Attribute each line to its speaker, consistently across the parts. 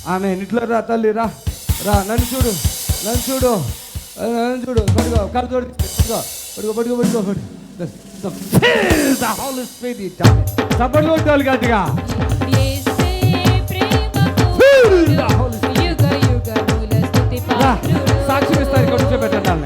Speaker 1: ఆమె ఇంట్లో రా తల్లి రా రా నన్ను చూడు నన్ను చూడు నన్ను చూడు పడుకో కళ్ళు తోడు పడుకో పడుకో పడుకో పడుకో సపోర్ట్ కొట్టాలి గట్టిగా సాక్షి ఇస్తారు ఇక్కడ కూర్చోబెట్టండి.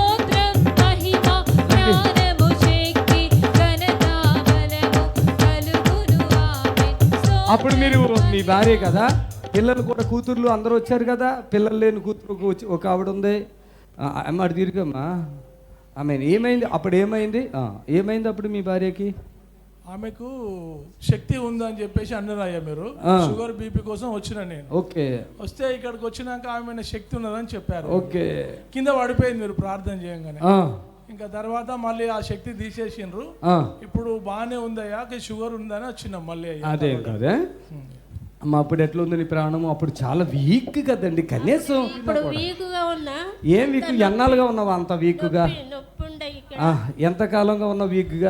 Speaker 1: అప్పుడు మీరు మీ భార్య కదా, పిల్లలు కూడా కూతుర్లు అందరూ వచ్చారు కదా, పిల్లలు లేని కూతురు ఒక ఆవిడ ఉంది. అమ్మ అటు తిరిగమ్మా. ఆమె ఏమైంది అప్పుడు? ఏమైంది అప్పుడు మీ భార్యకి?
Speaker 2: ఆమెకు శక్తి ఉందని చెప్పేసి అన్నారయ్యా మీరు. షుగర్ బీపీ కోసం వచ్చిన నేను.
Speaker 1: ఓకే.
Speaker 2: వస్తే ఇక్కడికి వచ్చినాక ఆమె శక్తి ఉన్నదని చెప్పారు.
Speaker 1: ఓకే.
Speaker 2: కింద పడిపోయింది మీరు ప్రార్థన చేయగానే. ఇంకా తర్వాత మళ్ళీ ఆ శక్తి తీసేసిండ్రు. ఇప్పుడు బాగానే ఉందయ్యా, షుగర్ ఉందని వచ్చినాం మళ్ళీ.
Speaker 1: అదే కదే అమ్మ. అప్పుడు ఎట్లా ఉంది నీ ప్రాణము? అప్పుడు చాలా వీక్ కదండి. కనీసం ఏం వీక్? ఎన్నాళ్ళుగా ఉన్నావా అంత వీక్గా? ఎంత కాలంగా ఉన్నావు వీక్గా?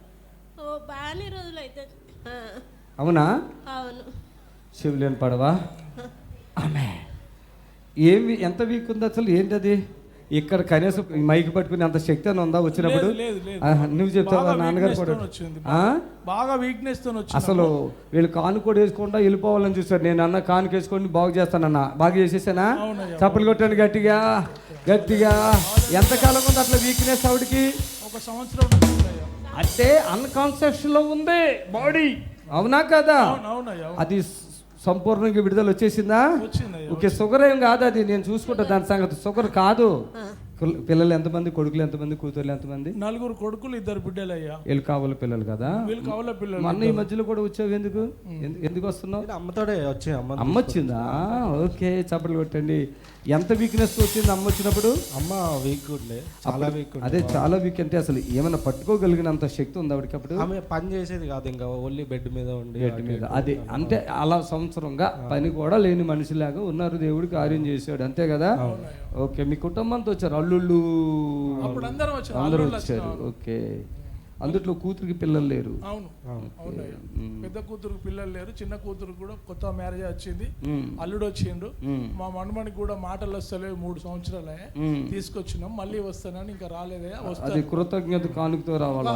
Speaker 1: అవునా? శివులేని పడవా ఆమె? ఏమి ఎంత వీక్ ఉంది అసలు? ఏంటి అది? ఇక్కడ కనీసం మైక్ పట్టుకుని అంత శక్తి అని ఉందా వచ్చినప్పుడు? నువ్వు చెప్తావా? నాన్నగారు కూడా
Speaker 2: బాగా వీక్నెస్ తో
Speaker 1: అసలు వీళ్ళు కాను కూడా వేసుకుంటా వెళ్ళిపోవాలని చూసారు. నేను అన్న కానుక వేసుకొని బాగు చేస్తానన్నా. బాగా చేసేసానా? చప్పలు కొట్టాను గట్టిగా గట్టిగా. ఎంతకాలం ఉంది అట్లా వీక్నెస్ ఆవిడకి?
Speaker 2: 1 సంవత్సరం
Speaker 1: అంటే అన్కాన్షియస్ లో ఉంది బాడీ. అవునా కదా? అది సంపూర్ణంగా విడుదల వచ్చేసిందా? ఓకే. షుగర్ ఏం కాదు అది, నేను చూసుకుంటా దాని సంగతి. షుగర్ కాదు. పిల్లలు ఎంతమంది? కొడుకులు ఎంతమంది? కూతుర్లు ఎంతమంది?
Speaker 2: 4 కొడుకులు 2 బిడ్డలు అయ్యా.
Speaker 1: వీళ్ళు కావాల పిల్లలు కదా?
Speaker 2: వీళ్ళు కావాల పిల్లలు.
Speaker 1: మొన్న ఈ మధ్యలో కూడా వచ్చావు. ఎందుకు వస్తున్నావు?
Speaker 3: అమ్మతోడే వచ్చి.
Speaker 1: అమ్మ వచ్చిందా? ఓకే. చప్పట్లు కొట్టండి. ఎంత వీక్నెస్ వచ్చింది అమ్మ వచ్చినప్పుడు?
Speaker 3: అమ్మ వీక్ చాలా వీక్.
Speaker 1: అదే చాలా వీక్ అంటే అసలు ఏమైనా పట్టుకోగలిగినంత శక్తి ఉంది ఆవిడకి అప్పుడు?
Speaker 3: ఆమె పని చేసేది కాదు, ఇంకా ఓన్లీ బెడ్ మీద ఉండి.
Speaker 1: బెడ్ మీద అదే అంటే అలా సంవత్సరంగా పని కూడా లేని మనిషిలాగా ఉన్నారు. దేవుడు కార్యం చేశాడు అంతే కదా? ఓకే. మీ కుటుంబంతో వచ్చారు అల్లుళ్ళు అందరూ వచ్చారు. ఓకే. అందుట్లో కూతురికి పిల్లలు లేరు.
Speaker 2: అవును. పెద్ద కూతురుకి పిల్లలు లేరు. చిన్న కూతురు కూడా కొత్త మ్యారేజ్ వచ్చింది. అల్లుడు వచ్చిండు. మా మనమనికి కూడా మాటలు వస్తలేవు. 3 సంవత్సరాలే తీసుకొచ్చినాం. మళ్ళీ వస్తానని ఇంకా రాలేదే.
Speaker 1: అది కృతజ్ఞత కానుకతో రావాలా?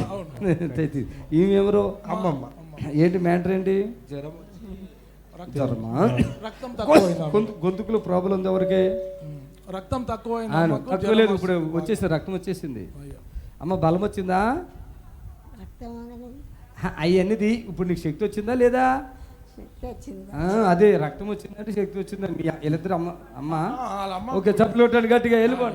Speaker 1: ఈమెవరో
Speaker 3: అమ్మమ్మ.
Speaker 1: ఏంటి మ్యాటర్? ఏంటి? జ్వరమా? గొంతుకులో ప్రాబ్లం ఉంది ఎవరికి?
Speaker 2: రక్తం తక్కువ
Speaker 1: లేదు. ఇప్పుడు వచ్చేసి రక్తం వచ్చేసింది. అమ్మ బలం వచ్చిందా? అవన్నీది ఇప్పుడు నీకు శక్తి వచ్చిందా లేదా? అదే రక్తం వచ్చిందంటే శక్తి వచ్చిందని వీళ్ళిద్దరు అమ్మ. ఓకే. చప్పలు కొట్టండి గట్టిగా. వెళ్ళిపోండి.